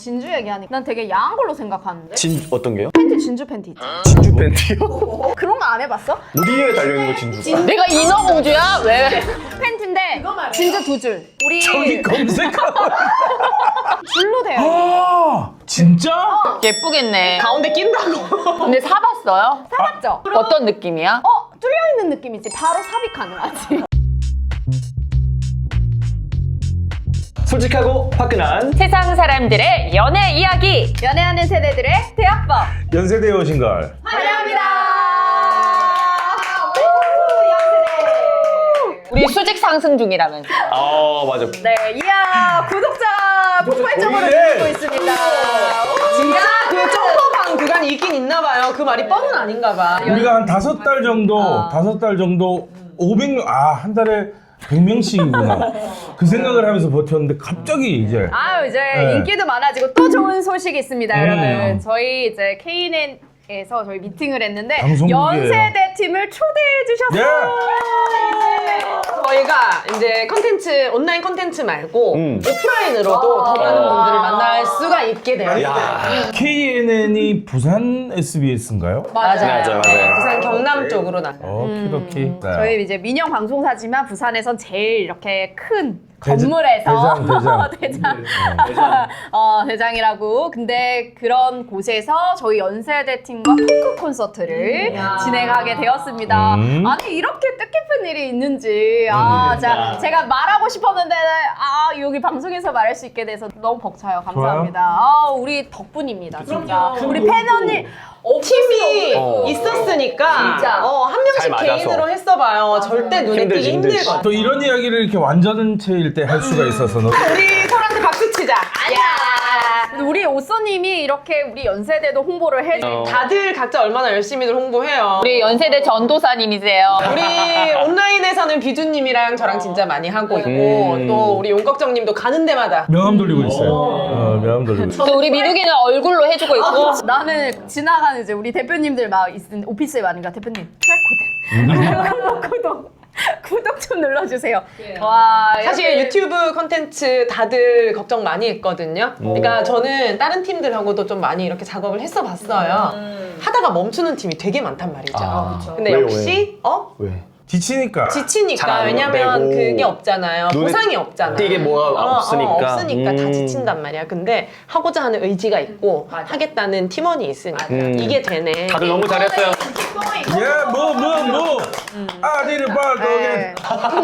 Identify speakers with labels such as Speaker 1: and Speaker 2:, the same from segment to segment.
Speaker 1: 진주 얘기하니까 난 되게 야한 걸로 생각하는데.
Speaker 2: 어떤 게요?
Speaker 1: 팬티 진주 팬티 있잖아.
Speaker 2: 진주 팬티요?
Speaker 1: 그런 거 안 해봤어?
Speaker 2: 어디에 달려있는 거 진주가?
Speaker 3: 내가 인어공주야? 왜?
Speaker 1: 팬티인데 진주 2줄. 우리
Speaker 4: 저기 검색하고.
Speaker 1: 줄로 되어 있는.
Speaker 4: 아, 진짜?
Speaker 3: 예쁘겠네.
Speaker 5: 가운데 낀다고.
Speaker 3: 근데 사봤어요?
Speaker 1: 사봤죠?
Speaker 3: 어떤 느낌이야?
Speaker 1: 뚫려 있는 느낌이지. 바로 삽입 가능하지.
Speaker 2: 솔직하고 화끈한
Speaker 3: 세상 사람들의 연애 이야기.
Speaker 1: 연애하는 세대들의 대화법.
Speaker 4: 연세대에 오신 걸.
Speaker 1: 환영합니다.
Speaker 3: 우리 수직 상승 중이라면서.
Speaker 2: 맞아.
Speaker 1: 네, 이야 구독자 폭발적으로
Speaker 4: 보이네.
Speaker 1: 늘고 있습니다.
Speaker 5: 진짜 그 점퍼방 구간이 있긴 있나 봐요. 그 말이 뻔은 아닌가 봐.
Speaker 4: 우리가 한 5달 정도, 5달 정도 500명, 한 달에 100명씩이구나. 그 생각을 하면서 버텼는데 갑자기 이제
Speaker 1: 아유 이제
Speaker 4: 네.
Speaker 1: 인기도 많아지고 또 좋은 소식이 있습니다, 여러분. 저희 이제 KNN에서 저희 미팅을 했는데
Speaker 4: 방송국이에요.
Speaker 1: 연세대 팀을 초대해 주셨어요.
Speaker 5: 저희가 이제 컨텐츠, 온라인 컨텐츠 말고 오프라인으로도 더 많은 분들을 만날 수가 있게 돼요.
Speaker 4: KNN이 부산 SBS인가요?
Speaker 2: 맞아요.
Speaker 5: 부산 경남 쪽으로 나.
Speaker 4: 키도키. 네.
Speaker 1: 저희 이제 민영 방송사지만 부산에선 제일 이렇게 큰
Speaker 4: 대장,
Speaker 1: 건물에서
Speaker 4: 대장.
Speaker 1: 대장이라고. 근데 그런 곳에서 저희 연세대 팀과 토크 콘서트를 진행하게 되었습니다. 아니 이렇게 뜻깊은 일이 있는지 제가 말하고 싶었는데 여기 방송에서 말할 수 있게 돼서 너무 벅차요. 감사합니다. 우리 덕분입니다. 진짜 우리 팬 언니
Speaker 5: 팀이 있었으니까
Speaker 1: 진짜.
Speaker 5: 한
Speaker 2: 잘
Speaker 5: 명씩
Speaker 2: 맞아서.
Speaker 5: 개인으로 했어봐요. 절대 눈에 띄기
Speaker 2: 힘들지.
Speaker 5: 힘들거든.
Speaker 4: 또 이런 이야기를 이렇게 완전체일 때 할 수가 있어서
Speaker 5: 우리 서로한테 박수 치자.
Speaker 1: 우리 오쏘님이 이렇게 우리 연세대도 홍보를 해.
Speaker 5: 다들 각자 얼마나 열심히들 홍보해요.
Speaker 3: 우리 연세대 전도사님이세요.
Speaker 5: 우리 온라인에서는 비주님이랑 저랑 진짜 많이 하고 있고 또 우리 용걱정님도 가는 데마다
Speaker 4: 명함 돌리고 있어요. 명함 돌리고 있어요.
Speaker 3: 또 우리 민욱이는 얼굴로 해주고 있고.
Speaker 1: 나는 지나가는 이제 우리 대표님들 막 있는 오피스에 많으니까 대표님 QR 코드 구독 좀 눌러주세요. 와
Speaker 5: 사실
Speaker 1: 이렇게
Speaker 5: 유튜브 콘텐츠 다들 걱정 많이 했거든요. 그러니까 저는 다른 팀들하고도 좀 많이 이렇게 작업을 했어 봤어요. 하다가 멈추는 팀이 되게 많단 말이죠. 근데
Speaker 2: 왜요,
Speaker 5: 역시
Speaker 2: 왜?
Speaker 4: 지치니까.
Speaker 2: 잘
Speaker 5: 지치니까
Speaker 2: 안
Speaker 5: 왜냐면
Speaker 2: 되고
Speaker 5: 그게 없잖아요.
Speaker 2: 눈에
Speaker 5: 보상이 없잖아.
Speaker 2: 띄게 뭐가 없으니까.
Speaker 5: 없으니까 다 지친단 말이야. 근데 하고자 하는 의지가 있고 하겠다는 팀원이 있으니까 이게 되네.
Speaker 2: 다들 너무 잘했어요.
Speaker 4: 아디를
Speaker 1: 네.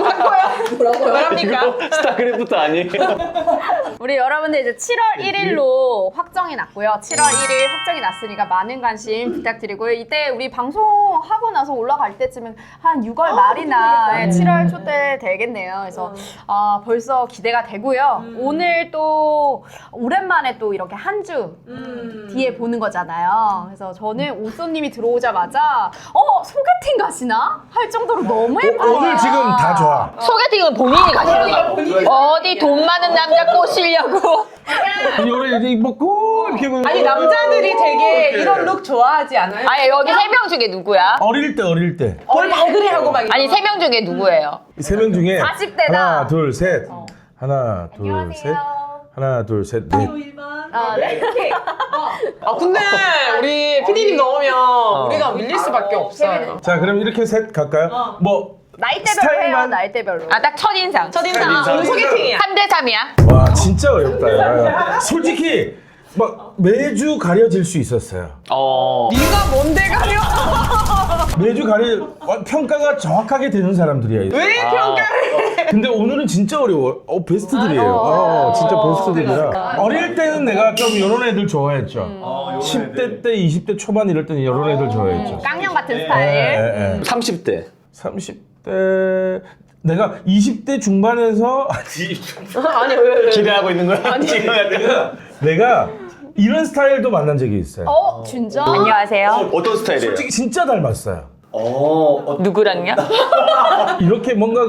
Speaker 5: 뭐랍니까?
Speaker 2: 스타크래프트 아니에요?
Speaker 1: 우리 여러분들 이제 7월 1일로 확정이 났고요. 7월 1일 확정이 났으니까 많은 관심 부탁드리고요. 이때 우리 방송하고 나서 올라갈 때쯤은 한 6월 말이나 7월 초 때 되겠네요. 그래서 벌써 기대가 되고요. 오늘 또 오랜만에 또 이렇게 한 주 뒤에 보는 거잖아요. 그래서 저는 오쏘님이 들어오자마자 소개팅 가시나? 할 정도로 너무 예뻐요.
Speaker 4: 오늘 지금 다 좋아.
Speaker 3: 소개팅은 본인이 가시는 거. 어디 돈 많은 남자 꼬시려고.
Speaker 4: 이거를 이렇게 입고 이렇게 보면
Speaker 5: 아니 남자들이 되게 이런 룩 좋아하지 않아요?
Speaker 3: 아니 여기 3명 중에 누구야?
Speaker 4: 어릴 때
Speaker 5: 뭘 발그레 하고 막
Speaker 3: 아니 3명 중에 누구예요?
Speaker 4: 이 3명 중에
Speaker 1: 40대다.
Speaker 4: 하나 둘 셋 하나 둘 셋 하나 둘 셋 넷.
Speaker 1: 네.
Speaker 5: 근데 우리 PD님 넣으면 우리가 밀릴 수밖에 없어요.
Speaker 4: 자 그럼 이렇게 셋 갈까요? 뭐
Speaker 1: 나이대별로 해요.
Speaker 4: 스타일만-
Speaker 1: 나이대별로.
Speaker 3: 딱 첫인상.
Speaker 5: 첫인상 오늘 소개팅이야.
Speaker 3: 3대3이야.
Speaker 4: 와 진짜 어렵다. 야. 솔직히 막 매주 가려질 수 있었어요.
Speaker 5: 네가 뭔데 가려?
Speaker 4: 매주 평가가 정확하게 되는 사람들이야.
Speaker 5: 왜 평가를 해?
Speaker 4: 근데 오늘은 진짜 어려워. 베스트들이에요. 진짜 베스트들이라. 어릴 때는 내가 좀 이런 애들 좋아했죠. 10대 때, 20대 초반 이럴 때는 이런 애들 좋아했죠.
Speaker 1: 깡형 같은 스타일.
Speaker 2: 30대.
Speaker 4: 30대 내가 20대 중반에서
Speaker 5: 아니 왜?
Speaker 2: 기대하고 있는 거야? 지금 약간.
Speaker 4: 내가 이런 스타일도 만난 적이 있어요.
Speaker 1: 진짜?
Speaker 3: 안녕하세요.
Speaker 2: 어떤 스타일이에요?
Speaker 4: 솔직히 진짜 닮았어요.
Speaker 3: 누구랑요?
Speaker 4: 이렇게 뭔가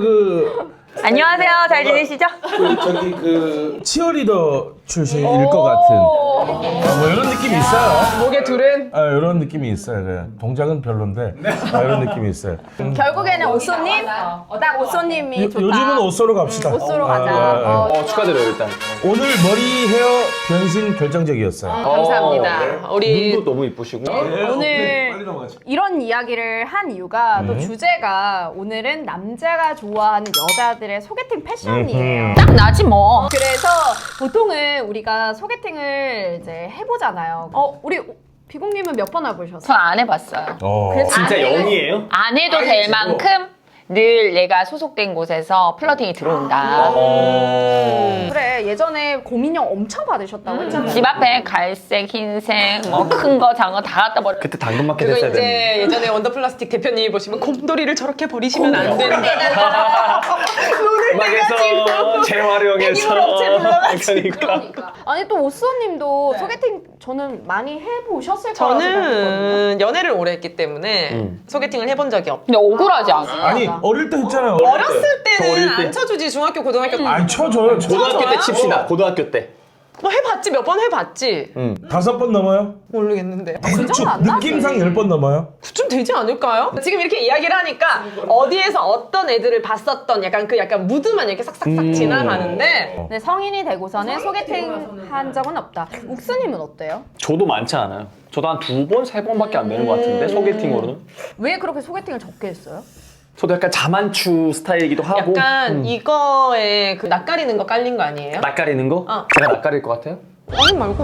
Speaker 3: 안녕하세요. 잘 지내시죠?
Speaker 4: 저기 치어리더 출신일 것 같은. 뭐 이런 느낌이 있어요.
Speaker 5: 목에 둘은
Speaker 4: 이런 느낌이 있어요. 네. 동작은 별론데 이런 느낌이 있어요.
Speaker 1: 결국에는 오쏘님? 딱 오쏘님이 좋다.
Speaker 4: 요즘은 옷소로 갑시다.
Speaker 1: 오쏘로 가자.
Speaker 2: 축하드려요 일단.
Speaker 4: 오늘 머리 헤어 변신 결정적이었어요.
Speaker 5: 감사합니다. 우리
Speaker 2: 눈도 너무 이쁘시고.
Speaker 1: 오늘
Speaker 4: 빨리 넘어가죠.
Speaker 1: 이런 이야기를 한 이유가 또 주제가 오늘은 남자가 좋아하는 여자들의 소개팅 패션이에요.
Speaker 3: 딱 나지 뭐.
Speaker 1: 그래서 보통은 우리가 소개팅을 이제 해보잖아요. 우리 비공님은 몇 번 해보셨어요?
Speaker 3: 전 안 해봤어요.
Speaker 1: 그래서
Speaker 2: 진짜
Speaker 1: 안 해요?
Speaker 2: 0이에요?
Speaker 3: 안 해도 될 만큼 늘 내가 소속된 곳에서 플러팅이 들어온다.
Speaker 1: 그래 예전에 고민형 엄청 받으셨다고 했잖아요.
Speaker 3: 집 앞에 갈색, 흰색, 뭐 큰 거, 작은 거 다 갖다 버려.
Speaker 2: 그때 당근마켓
Speaker 5: 그리고
Speaker 2: 했어야 되는데.
Speaker 5: 이제 예전에 원더플라스틱 대표님이 보시면 곰돌이를 저렇게 버리시면 안 된다.
Speaker 2: 음악에서 재활용해서. 그러니까.
Speaker 1: 아니 또 오쏘님도 소개팅 저는 많이 해보셨을 거라고 생각했거든요.
Speaker 5: 저는 연애를 오래 했기 때문에 소개팅을 해본 적이 없고
Speaker 3: 근데 억울하지 않아?
Speaker 4: 아니 어릴 때 했잖아요.
Speaker 5: 어렸을 때는
Speaker 2: 어릴 때.
Speaker 5: 안 쳐주지 중학교 고등학교
Speaker 4: 아니 쳐줘요.
Speaker 2: 고등학교 때 칩시다. 고등학교 때.
Speaker 5: 뭐 해봤지 몇 번 해봤지
Speaker 4: 5번 넘어요?
Speaker 5: 모르겠는데
Speaker 1: 정도 안 나지.
Speaker 4: 느낌상 10번 넘어요?
Speaker 5: 그쯤 되지 않을까요? 지금 이렇게 이야기를 하니까 어디에서 어떤 애들을 봤었던 약간 무드만 이렇게 싹싹싹 지나가는데
Speaker 1: 네, 성인이 되고서는 소개팅 한 적은 없다. 욱수님은 어때요?
Speaker 2: 저도 많지 않아요. 저도 한 2번, 3번밖에 안 되는 것 같은데 소개팅으로는.
Speaker 1: 왜 그렇게 소개팅을 적게 했어요?
Speaker 2: 저도 약간 자만추 스타일이기도 하고.
Speaker 5: 약간 이거에 그 낯가리는 거 깔린 거 아니에요?
Speaker 2: 낯가리는 거? 제가 낯가릴 것 같아요?
Speaker 5: 아니 말고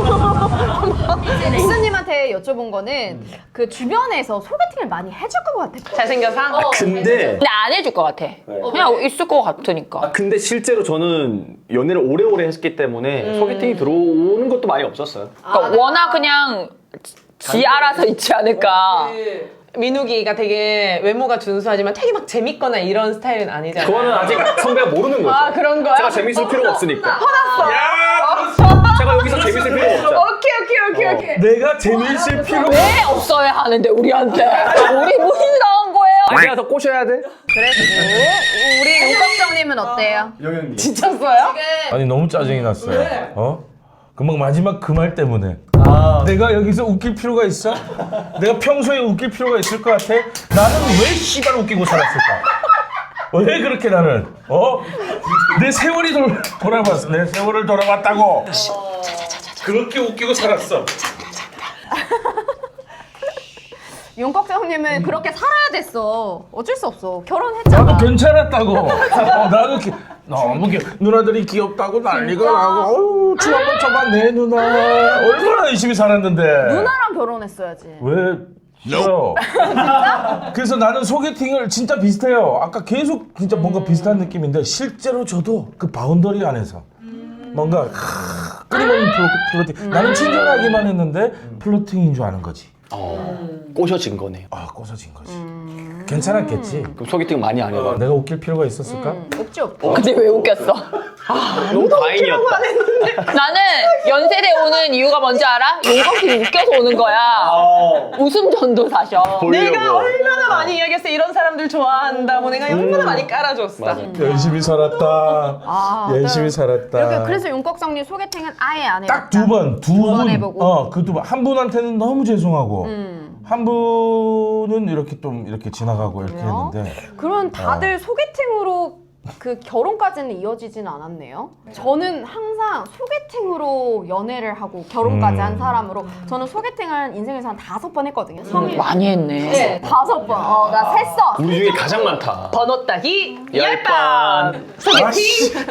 Speaker 1: 욱수님한테 여쭤본 거는 그 주변에서 소개팅을 많이 해줄 것 같아.
Speaker 5: 잘생겨서?
Speaker 2: 근데
Speaker 3: 근데 안 해줄 것 같아. 그냥 있을 것 같으니까.
Speaker 2: 근데 실제로 저는 연애를 오래오래 했기 때문에 소개팅이 들어오는 것도 많이 없었어요.
Speaker 3: 그러니까 워낙 그냥 지 알아서 있지 않을까.
Speaker 5: 민욱이가 되게 외모가 준수하지만 되게 막 재밌거나 이런 스타일은 아니잖아요.
Speaker 2: 그거는 아직 선배가 모르는 거죠.
Speaker 5: 아 그런 거야?
Speaker 2: 제가 재밌을 필요가 없으니까.
Speaker 5: 화났어.
Speaker 2: 제가 여기서 재밌을 필요가 없죠.
Speaker 5: 오케이.
Speaker 4: 내가 재밌을 필요가
Speaker 3: 왜 없어야 하는데 우리한테? 우리 무슨 당한 거예요?
Speaker 2: 제가 더 꼬셔야 돼?
Speaker 1: 그래도 우리 윤꺽정님은 어때요?
Speaker 5: 지쳤어요?
Speaker 4: 아니 너무 짜증이 났어요. 금방 마지막 그 말 때문에 내가 여기서 웃길 필요가 있어? 내가 평소에 웃길 필요가 있을 것 같아? 나는 왜 씨발 웃기고 살았을까? 왜 그렇게 나는 내 세월이 돌아봤어. 내 세월을 돌아봤다고. 그렇게 웃기고 살았어.
Speaker 1: 윤꺽정님은 그렇게 살아야 됐어. 어쩔 수 없어. 결혼했잖아.
Speaker 4: 나도 괜찮았다고. 나도 너무 누나들이 귀엽다고 난리가 나고. 어우 춤 한번 춰봐 내 누나. 얼마나 열심히 살았는데.
Speaker 1: 누나랑 결혼했어야지.
Speaker 4: 왜 싫어요? 그래서 나는 소개팅을 진짜 비슷해요. 아까 계속 진짜 뭔가 비슷한 느낌인데 실제로 저도 그 바운더리 안에서 뭔가 끊임없는 플로팅. 나는 친절하기만 했는데 플로팅인 줄 아는 거지.
Speaker 2: 꼬셔진 거네요.
Speaker 4: 꼬서진 거지. 괜찮았겠지.
Speaker 2: 그럼 소개팅 많이 안 해봐.
Speaker 4: 내가 웃길 필요가 있었을까?
Speaker 1: 없지.
Speaker 3: 근데 왜 웃겼어?
Speaker 2: 너무 다행이었다.
Speaker 3: 나는 연세대 오는 이유가 뭔지 알아? 용덕이 웃겨서 오는 거야. 웃음 전도사셔.
Speaker 5: 내가 얼마나 많이 이야기했어. 이런 사람들 좋아한다고 내가 얼마나 많이 깔아줬어.
Speaker 4: 열심히 살았다. 열심히 살았다.
Speaker 1: 이렇게 그래서 윤꺽정님 소개팅은 아예 안 해봤다.
Speaker 4: 딱 두 번.
Speaker 1: 번 해보고.
Speaker 4: 그 두 번. 한 분한테는 너무 죄송하고 한 분은 이렇게 좀 이렇게 지나가고 이렇게
Speaker 1: 그래요?
Speaker 4: 했는데
Speaker 1: 그럼 다들 소개팅으로 그 결혼까지는 이어지진 않았네요. 저는 항상 소개팅으로 연애를 하고 결혼까지 한 사람으로 저는 소개팅을 인생에서 한 5번 했거든요. 성인.
Speaker 3: 많이 했네.
Speaker 1: 네, 5번. 나 셌어.
Speaker 2: 우리 중에 가장 많다.
Speaker 5: 번호 따기
Speaker 2: 10번.
Speaker 5: 소개팅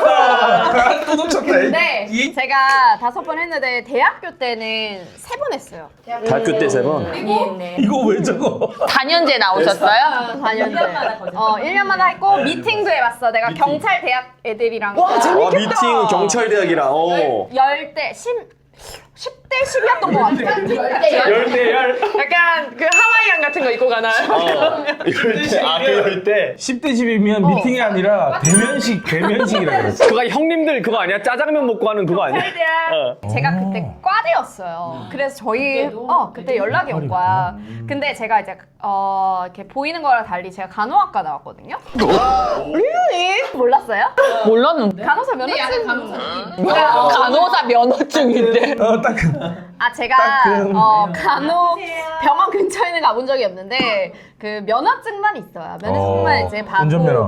Speaker 4: 또
Speaker 1: 네, 제가 5번 했는데 대학교 때는 3번 했어요.
Speaker 2: 대학교 때 3번.
Speaker 4: 이거 왜 적어?
Speaker 3: 4년제 나오셨어요?
Speaker 1: 4년째. 1년마다 했고 미팅도 해봤어. 내가 경찰 대학 애들이랑.
Speaker 5: 와, 재밌겠다.
Speaker 2: 미팅 경찰대학이랑.
Speaker 1: 10대 10대 10이었던 것 같아요.
Speaker 2: 10대 10.
Speaker 5: 약간 그 하와이안 같은 거 입고 가나요?
Speaker 2: 이럴 때, 그럴 때.
Speaker 4: 10대 10이면 미팅이 아니라 대면식이라 그랬어.
Speaker 2: 그거 형님들 그거 아니야? 짜장면 먹고 하는 그거 아니야?
Speaker 1: 제가 그때 과대였어요. 그래서 저희 그때 연락이 온 거야. 근데 제가 이제 이렇게 보이는 거랑 달리 제가 간호학과 나왔거든요. 몰랐어요?
Speaker 3: 몰랐는데.
Speaker 1: 간호사 면허증.
Speaker 3: 간호사 면허증인데.
Speaker 1: 제가
Speaker 4: 따끔.
Speaker 1: 간혹 병원 근처에는 가본 적이 없는데 그 면허증만 있어요. 면허증만 이제 받고
Speaker 4: 운전면허.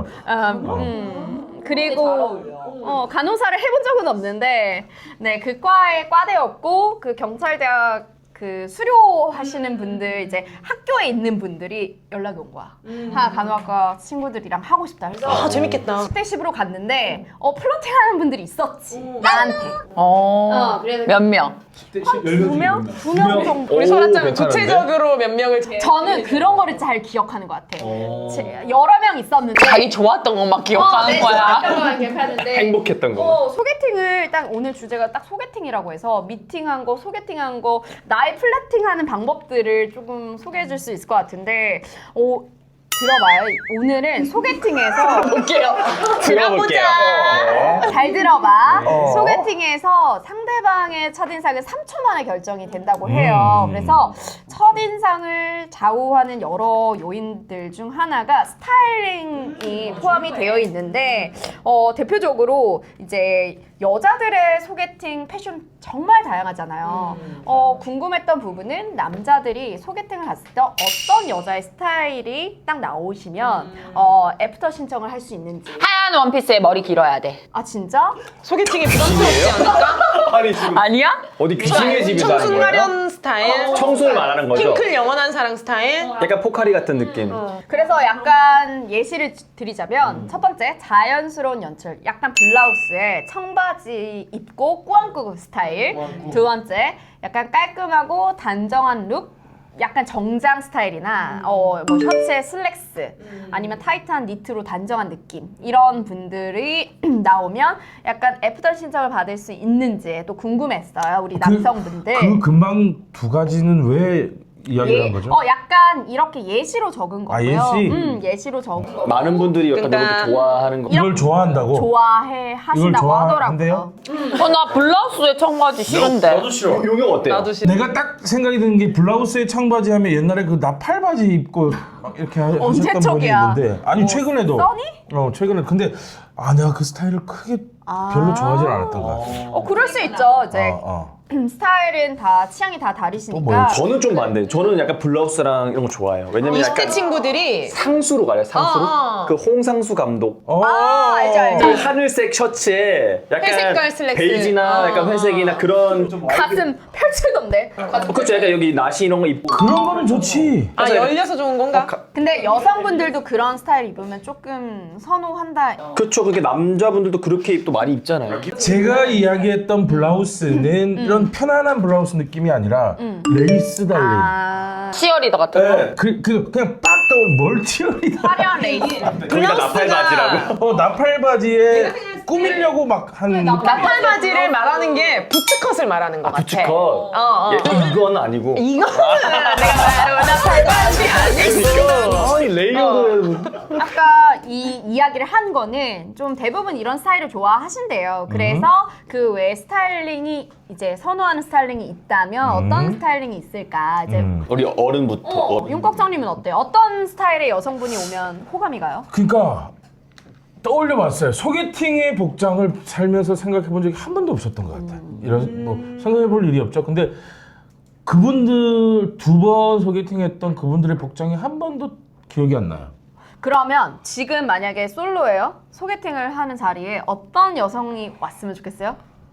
Speaker 1: 그리고 간호사를 해본 적은 없는데 네, 그 과에 과대였고 그 경찰대학 그 수료하시는 분들 이제 학교에 있는 분들이 연락이 온 거야. 간호학과 친구들이랑 하고 싶다 해서
Speaker 5: 아, 재밌겠다.
Speaker 1: 10대 10으로 갔는데 플러팅하는 분들이 있었지. 나한테. 그래서
Speaker 3: 몇 명?
Speaker 1: 두 명 정도.
Speaker 5: 우리
Speaker 2: 오,
Speaker 5: 설아짱은
Speaker 2: 괜찮은데?
Speaker 5: 구체적으로 몇 명을
Speaker 1: 저는 그런 거를 잘 기억하는 것 같아. 여러 명 있었는데
Speaker 3: 자기 좋았던 것만 기억하는
Speaker 1: 네,
Speaker 3: 거야.
Speaker 1: 좋았던 것만 기억하는데
Speaker 2: 행복했던 거.
Speaker 1: 소개팅을 딱 오늘 주제가 딱 소개팅이라고 해서 미팅한 거, 소개팅한 거, 나의 플러팅하는 방법들을 조금 소개해 줄 수 있을 것 같은데 들어봐요. 오늘은 소개팅에서
Speaker 3: 볼게요.
Speaker 2: 들어볼게요.
Speaker 1: 잘 들어봐. 소개팅에서 상대방의 첫인상은 3초 만에 결정이 된다고 해요. 그래서 첫인상을 좌우하는 여러 요인들 중 하나가 스타일링이 포함이 되어 있는데 대표적으로 이제 여자들의 소개팅 패션 정말 다양하잖아요. 궁금했던 부분은 남자들이 소개팅을 갔을 때 어떤 여자의 스타일이 딱 나오시면 애프터 신청을 할 수 있는지.
Speaker 3: 하얀 원피스에 머리 길어야 돼.
Speaker 1: 아 진짜?
Speaker 5: 소개팅이 부담스럽지 않을까?
Speaker 2: 아니 지금
Speaker 3: 아니야?
Speaker 2: 어디 귀신의 집이다 하는 거예요?
Speaker 5: 청순가련 스타일,
Speaker 2: 청순을 말하는 거죠?
Speaker 5: 핑클 영원한 사랑 스타일.
Speaker 2: 약간 포카리 같은 느낌.
Speaker 1: 그래서 약간 예시를 드리자면 첫 번째 자연스러운 연출, 약간 블라우스에 청바지 입고 꾸안꾸 스타일. 두 번째 약간 깔끔하고 단정한 룩, 약간 정장 스타일이나 뭐 셔츠에 슬랙스 아니면 타이트한 니트로 단정한 느낌, 이런 분들이 나오면 약간 애프터 신청을 받을 수 있는지 또 궁금했어요, 우리 남성분들.
Speaker 4: 그 금방 두 가지는 왜 이야기를 한 거죠?
Speaker 1: 약간 이렇게 예시로 적은 거고요.
Speaker 4: 예시?
Speaker 1: 예시로 적은 거.
Speaker 2: 많은 분들이 약간
Speaker 5: 그러니까
Speaker 2: 이렇게 좋아하는 거.
Speaker 4: 이걸 좋아한다고?
Speaker 1: 좋아해 하신다고 하더라고요.
Speaker 3: 나 블라우스에 청바지 싫은데.
Speaker 2: 싫어. 용역 어때요?
Speaker 5: 나도 싫어.
Speaker 4: 내가 딱 생각이 드는 게 블라우스에 청바지 하면 옛날에 그 나팔바지 입고 막 이렇게 하셨던 분이
Speaker 1: 쪽이야?
Speaker 4: 있는데 아니 최근에도
Speaker 1: 써니?
Speaker 4: 최근에 근데 내가 그 스타일을 크게 별로 좋아하진 않았던 것 같아.
Speaker 1: 그럴 수 있죠. 이제
Speaker 4: 어.
Speaker 1: 스타일은 다 취향이 다
Speaker 4: 또
Speaker 1: 다르시니까.
Speaker 4: 뭐예요?
Speaker 2: 저는 좀 반대. 저는 약간 블라우스랑 이런 거 좋아해요. 왜냐면
Speaker 5: 20대
Speaker 2: 약간
Speaker 5: 친구들이
Speaker 2: 상수로 가요. 상수로.
Speaker 5: 어.
Speaker 2: 그 홍상수 감독.
Speaker 1: 알죠.
Speaker 2: 그 하늘색 셔츠에 약간
Speaker 5: 회색깔 슬랙스.
Speaker 2: 베이지나 약간 회색이나 그런
Speaker 1: 가슴 펼치던데.
Speaker 2: 그렇죠. 약간 여기 나시 이런 거 입고
Speaker 4: 그런 거는 좋지.
Speaker 5: 열려서 좋은 건가?
Speaker 1: 근데 여성분들도 그런 스타일 입으면 조금 선호한다.
Speaker 2: 그렇죠. 그게 남자분들도 그렇게 또 많이 입잖아요.
Speaker 4: 제가 이야기했던 블라우스는 이런 편안한 블라우스 느낌이 아니라 레이스 달린.
Speaker 3: 치어리더 같은 거.
Speaker 4: 그냥 빡 떠오른 멀티얼이다.
Speaker 1: 화려한 레이스.
Speaker 2: 거기다 나팔 바지라고.
Speaker 4: 나팔 바지에 꾸미려고 막 한.
Speaker 5: 나팔 바지를 말하는 게 부츠컷을 말하는 것 같아.
Speaker 2: 부츠컷. 이건 아니고.
Speaker 5: 이거는 내가 나팔 바지 아니고.
Speaker 2: 아니 레이어드.
Speaker 1: 아까 이 이야기를 한 거는 좀 대부분 이런 스타일을 좋아하신대요. 그래서 그 외에 스타일링이 이제 선호하는 스타일링이 있다면 어떤 스타일링이 있을까? 이제
Speaker 2: 우리 어른부터.
Speaker 1: 윤꺽정님은 어때요? 어떤 스타일의 여성분이 오면 호감이 가요?
Speaker 4: 그러니까 떠올려봤어요. 소개팅의 복장을 살면서 생각해본 적이 한 번도 없었던 것 같아요. 이런 뭐 생각해볼 일이 없죠. 근데 그분들 두 번 소개팅했던 그분들의 복장이 한 번도 기억이 안 나요.
Speaker 1: 그러면 지금 만약에 솔로예요? 소개팅을 하는 자리에 어떤 여성이 왔으면 좋겠어요?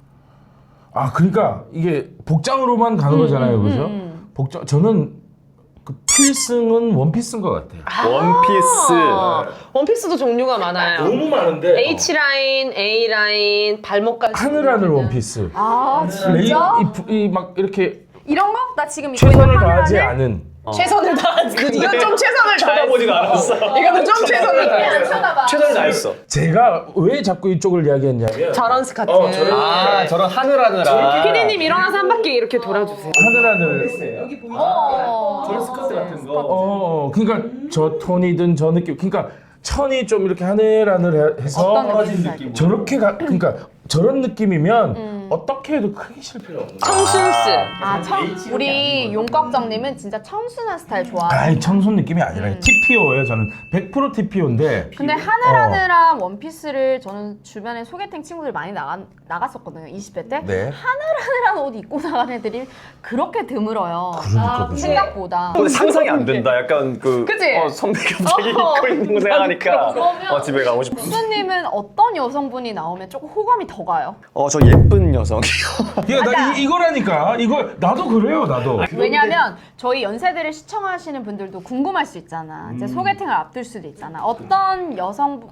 Speaker 4: 그러니까 이게 복장으로만 가는 거잖아요, 그죠? 복장 저는 그 필승은 원피스인 것 같아요.
Speaker 2: 원피스.
Speaker 5: 원피스도 종류가 많아요.
Speaker 4: 너무 많은데
Speaker 5: H라인, A라인, 발목까지.
Speaker 4: 하늘 원피스.
Speaker 1: 진짜?
Speaker 4: 막 이렇게
Speaker 1: 이런 거? 나 지금 입고 있는
Speaker 4: 최선을 다하지
Speaker 1: 하늘하늘?
Speaker 4: 않은.
Speaker 5: 최선을 다하지. 이건 좀 최선을 다했어.
Speaker 2: 쳐다보지가 않았어.
Speaker 5: 이거는 좀 최선을 다했어.
Speaker 1: 쳐다봐.
Speaker 2: 최선을 다했어.
Speaker 4: 제가 왜 자꾸 이쪽을 이야기했냐면
Speaker 5: 저런 스커트.
Speaker 2: 저런 하늘하늘아.
Speaker 5: 피디님 일어나서 한 바퀴 이렇게 돌아주세요.
Speaker 4: 하늘 여기
Speaker 1: 저런
Speaker 2: 스커트 같은 거.
Speaker 4: 그러니까 저 톤이든 저 느낌, 그러니까 천이 좀 이렇게 하늘하늘해서
Speaker 1: 어떤 느낌?
Speaker 4: 저렇게 그러니까 저런 느낌이면 어떻게 해도 크게 실패가 없는
Speaker 5: 청순스.
Speaker 1: 우리 용꺽정님은 진짜 청순한 스타일 좋아하는.
Speaker 4: 아이 청순 느낌이 아니라 TPO예요. 저는 100% TPO인데
Speaker 1: 근데 하늘하늘한 원피스를 저는 주변에 소개팅 친구들 많이 나갔었거든요. 20대 때.
Speaker 4: 네.
Speaker 1: 하늘하늘한 옷 입고 나간 애들이 그렇게 드물어요.
Speaker 4: 그러니까 그죠.
Speaker 1: 생각보다.
Speaker 2: 근데 상상이 안 된다. 약간
Speaker 1: 그치?
Speaker 2: 선배 갑자기 입고 있는 거 생각하니까 집에 가고 싶어.
Speaker 1: 수님은 어떤 여성분이 나오면 조금 호감이 더 가요?
Speaker 2: 저 예쁜 여성.
Speaker 4: 그러니까 나 이거라니까. 이거 나도 그래요. 나도.
Speaker 1: 왜냐면 저희 연세대를 시청하시는 분들도 궁금할 수 있잖아. 이제 소개팅을 앞둘 수도 있잖아. 어떤 여성분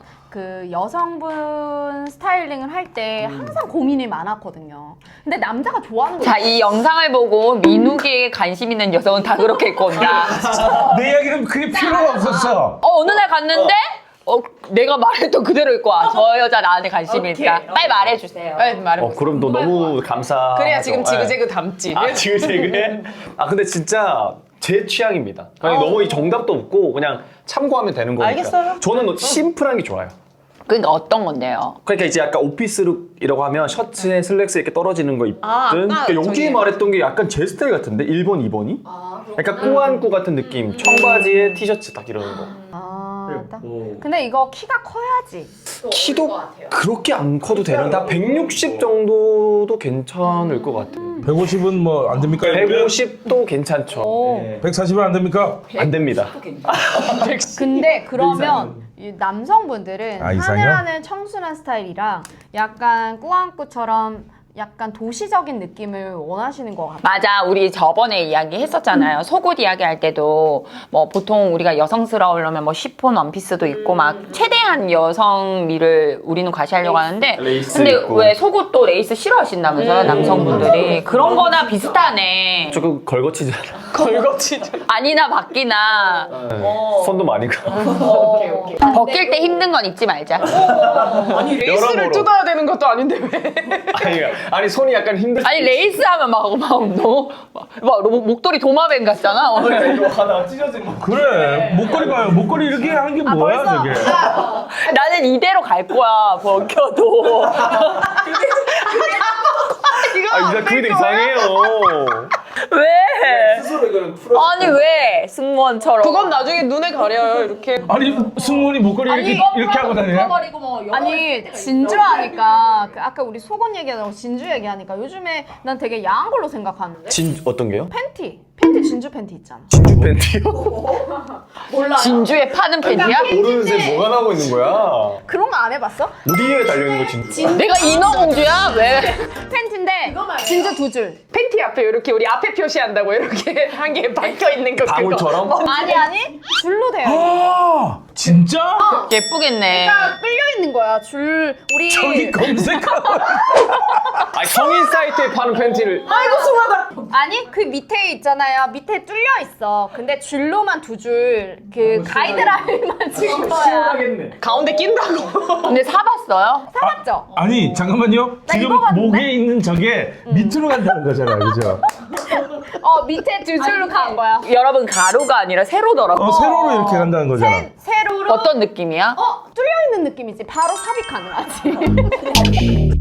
Speaker 1: 스타일링을 할 때 항상 고민이 많았거든요. 근데 남자가 좋아하는 거
Speaker 3: 자, 이 영상을 보고 민욱이에게 관심 있는 여성은 다 그렇게 입고 온다.
Speaker 4: 내 이야기는 그게 필요가 없었어.
Speaker 3: 어느 날 갔는데 내가 말했던 그대로 입고 와. 저 여자 나한테 관심이 있다. 빨리 말해주세요.
Speaker 5: 빨리 말해.
Speaker 2: 그럼 너 너무 감사.
Speaker 5: 그래야 지금 지그재그 담지.
Speaker 2: 지그재그해? 근데 진짜 제 취향입니다. 그냥 너무 이 정답도 없고 그냥 참고하면 되는 거니까.
Speaker 5: 알겠어요.
Speaker 2: 저는 심플한 게 좋아요.
Speaker 3: 그러니까 어떤 건데요?
Speaker 2: 그러니까 이제 약간 오피스룩이라고 하면 셔츠에 슬랙스 이렇게 떨어지는 거 입든
Speaker 5: 아까
Speaker 2: 그러니까 여기
Speaker 5: 저기-
Speaker 2: 말했던 게 약간 제 스타일 같은데 1번, 2번이? 약간 꾸안꾸 같은 느낌. 청바지에 티셔츠 딱 이러는 거.
Speaker 1: 근데 이거 키가 커야지.
Speaker 2: 키도 그렇게 안 커도 되는데 한 160 정도도 괜찮을 것 같아요.
Speaker 4: 150은 뭐 안 됩니까?
Speaker 2: 150도 괜찮죠.
Speaker 4: 140은 안 됩니까?
Speaker 2: 안 됩니다.
Speaker 1: 근데 그러면 이 남성분들은
Speaker 4: 이상형?
Speaker 1: 하늘하늘 청순한 스타일이랑 약간 꾸안꾸처럼 약간 도시적인 느낌을 원하시는 것 같아요.
Speaker 3: 맞아, 우리 저번에 이야기 했었잖아요. 속옷 이야기 할 때도 뭐 보통 우리가 여성스러우려면 뭐 시폰 원피스도 있고 막 최대한 여성미를 우리는 과시하려고 하는데
Speaker 2: 레이스
Speaker 3: 근데
Speaker 2: 있고.
Speaker 3: 왜 속옷도 레이스 싫어하신다면서요, 남성분들이. 그런 거나 비슷하네.
Speaker 2: 조금 걸거치잖아.
Speaker 5: 걸거치죠.
Speaker 3: 아니나 바뀌나
Speaker 2: 손도 많이 가.
Speaker 3: 벗길 때 힘든 건 잊지 말자.
Speaker 5: 아니 레이스를
Speaker 2: 여러모로.
Speaker 5: 뜯어야 되는 것도 아닌데 왜?
Speaker 2: 아니 손이 약간 힘들.
Speaker 3: 아니 레이스 하면 막 너무 막 목도리 도마뱀 같잖아.
Speaker 2: 이거 하나 찢어진 거.
Speaker 4: 그래. 목걸이 봐요. 목걸이 이렇게 하는 게 뭐야,
Speaker 1: 벌써?
Speaker 4: 저게.
Speaker 3: 나는 이대로 갈 거야, 벗겨도.
Speaker 2: 이제 그게 이상해요.
Speaker 3: 왜?
Speaker 2: 스스로 이거는 풀어.
Speaker 3: 아니 왜 승무원처럼?
Speaker 5: 그건 나중에 눈에 가려요 이렇게.
Speaker 4: 아니, 승무원이 목걸이 이렇게 하고 다니냐?
Speaker 1: 아니 진주하니까 아까 우리 속옷 얘기하다가 진주 얘기하니까 요즘에 난 되게 야한 걸로 생각하는데
Speaker 2: 어떤 게요?
Speaker 1: 팬티 진주 팬티 있잖아.
Speaker 2: 진주 팬티요?
Speaker 3: 진주에 파는 팬이야?
Speaker 2: 모르는 새 뭐가 나오고 있는 거야?
Speaker 1: 그런 거 안 해봤어?
Speaker 2: 어디에 달려 있는 거 진주?
Speaker 3: 내가 인어공주야? 왜?
Speaker 1: 팬티인데 진주 2줄.
Speaker 5: 팬티 앞에 이렇게 우리 앞에 표시한다고 이렇게 한 개 박혀 있는 거.
Speaker 2: 방울처럼?
Speaker 1: 아니 줄로 돼요.
Speaker 4: 아, 진짜?
Speaker 3: 예쁘겠네.
Speaker 1: 끌려 있는 거야 줄. 우리
Speaker 4: 저기 검색하고.
Speaker 2: 아니 성인 사이트에 파는 팬티를.
Speaker 5: 아이고 숭하다.
Speaker 1: 아니 그 밑에 있잖아요. 밑에 뚫려 있어. 근데 줄로만 2줄 그 가이드라인만 찍은 거야.
Speaker 5: 가운데 낀다고.
Speaker 3: 근데 사봤어요?
Speaker 1: 사봤죠?
Speaker 4: 아니, 잠깐만요.
Speaker 1: 나
Speaker 4: 지금
Speaker 1: 입어봤는데?
Speaker 4: 목에 있는 저게 밑으로 간다는 거잖아요. 그죠?
Speaker 1: 밑에 2줄로 간 거야.
Speaker 3: 여러분 가루가 아니라 세로더라고.
Speaker 4: 세로로 이렇게 간다는 거잖아.
Speaker 1: 세로로
Speaker 3: 어떤 느낌이야?
Speaker 1: 뚫려 있는 느낌이지. 바로 삽입 가능하지.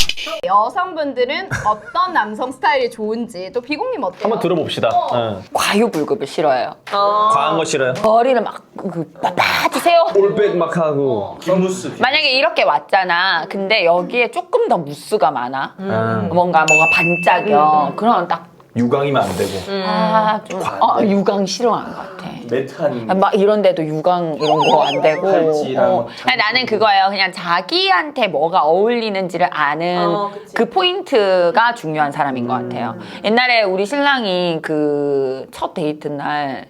Speaker 1: 여성분들은 어떤 남성 스타일이 좋은지 또 비공님 어때요?
Speaker 2: 한번 들어봅시다. 응.
Speaker 3: 과유불급을 싫어해요.
Speaker 2: 과한 거 싫어요?
Speaker 3: 머리를 막 빳빳이 세워.
Speaker 2: 올백 막 하고.
Speaker 3: 만약에 이렇게 왔잖아. 근데 여기에 조금 더 무스가 많아.
Speaker 2: 음.
Speaker 3: 뭔가 반짝여. 그럼 딱
Speaker 2: 유광이면 안 되고.
Speaker 3: 좀 유광 싫어하는 것 같아.
Speaker 2: 매트한.
Speaker 3: 막 이런 데도 유광 이런 거 안 되고.
Speaker 2: 팔찌랑
Speaker 3: 그냥 나는 그거예요. 그냥 자기한테 뭐가 어울리는지를 아는 그 포인트가 중요한 사람인 것 같아요. 옛날에 우리 신랑이 그 첫 데이트 날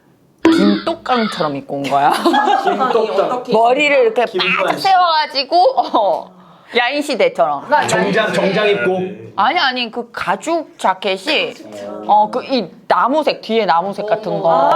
Speaker 3: 김똑강처럼 입고 온 거야. 머리를 이렇게 빡 세워가지고 야인시대처럼.
Speaker 2: 정장 입고.
Speaker 3: 아니 그 가죽 자켓이 그 이 나무색 뒤에 나무색 같은 거.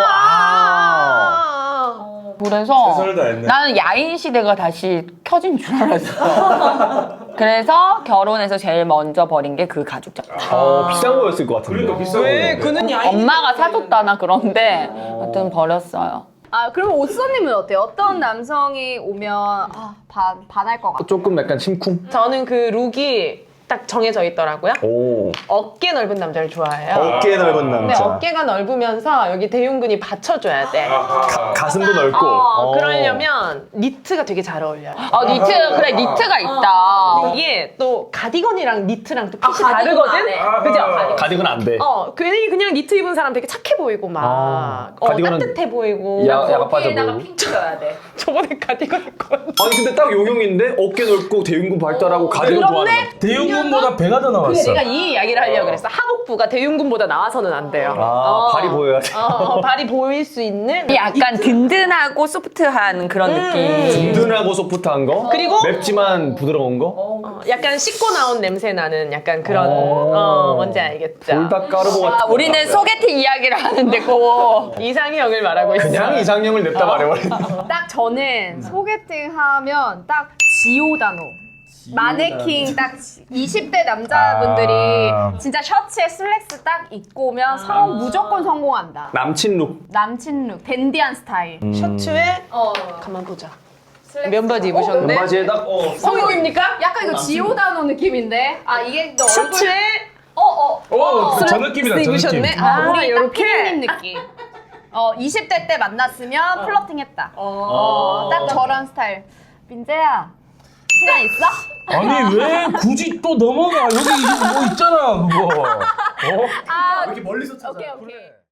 Speaker 3: 그래서
Speaker 4: 최선을 다했네.
Speaker 3: 나는 야인시대가 다시 켜진 줄 알았어. 그래서 결혼해서 제일 먼저 버린 게 그 가죽 자켓.
Speaker 2: 비싼 거였을 것 같은데.
Speaker 4: 그러니까 비싼
Speaker 5: 왜
Speaker 4: 거.
Speaker 5: 그는
Speaker 3: 엄마가 사줬다나 그런데 하여튼 버렸어요.
Speaker 1: 그럼 오수님은 어때요? 어떤 남성이 오면 반할 것 같아요?
Speaker 2: 조금 약간 심쿵?
Speaker 5: 저는 그 룩이 딱 정해져 있더라고요.
Speaker 2: 오.
Speaker 5: 어깨 넓은 남자를 좋아해요.
Speaker 2: 어깨 넓은
Speaker 5: 근데
Speaker 2: 남자.
Speaker 5: 어깨가 넓으면서 여기 대흉근이 받쳐줘야 돼.
Speaker 2: 가슴도 넓고.
Speaker 5: 그러려면 니트가 되게 잘 어울려요.
Speaker 3: 니트, 그래, 니트가 있다.
Speaker 5: 이게 또 가디건이랑 니트랑 또 핏이 다르거든? 그죠?
Speaker 2: 가디건 안 돼.
Speaker 5: 괜히 그냥 니트 입은 사람 되게 착해 보이고 막
Speaker 2: 가디건은
Speaker 5: 따뜻해 보이고
Speaker 2: 야가 빠져 보여.
Speaker 3: 핑크 줘야 돼.
Speaker 5: 저번에 가디건 입고
Speaker 2: 아니 근데 딱 용용인데 어깨 넓고 대흉근 발달하고 가디건 좋아하는 거.
Speaker 4: 대흉근보다 배가 더 나왔어.
Speaker 5: 내가 이 이야기를 하려고 그랬어. 하복부가 대흉근보다 나와서는 안 돼요.
Speaker 2: 발이 보여야 돼.
Speaker 5: 발이 보일 수 있는
Speaker 3: 약간 든든하고 소프트한 그런 느낌.
Speaker 2: 든든하고 소프트한 거.
Speaker 5: 그리고
Speaker 2: 맵지만 부드러운 거.
Speaker 5: 약간 씻고 나온 냄새 나는 약간 그런 뭔지 알겠죠?
Speaker 2: 돌닭 가루보 같은.
Speaker 3: 우리는 소개팅 이야기를 하는데 꼭
Speaker 5: 이상형을 말하고 있어요.
Speaker 2: 그냥 이상형을 냅다 말해버려.
Speaker 1: 딱 저는 소개팅 하면 딱 지오다노. 마네킹 딱 20대 남자분들이 진짜 셔츠에 슬랙스 딱 입고 오면 무조건 성공한다.
Speaker 2: 남친 룩.
Speaker 1: 남친 룩, 댄디한 스타일.
Speaker 5: 셔츠에 가만 보자. 면바지 입으셨네.
Speaker 2: 바지에 딱
Speaker 5: 성공입니까?
Speaker 1: 약간 이거 지오다노 느낌인데? 아 이게 너 얼굴
Speaker 5: 셔츠에
Speaker 4: 저 느낌이다, 저 느낌.
Speaker 5: 입으셨네.
Speaker 1: 우리 딱
Speaker 5: 요렇게.
Speaker 1: 피디님 느낌. 20대 때 만났으면 플러팅했다. 딱 저런 스타일. 민재야, 시간 있어?
Speaker 4: 아니 왜 굳이 또 넘어가? 여기 뭐 있잖아 그거.
Speaker 1: 아,
Speaker 2: 이렇게 멀리서 찾아.
Speaker 1: 오케이.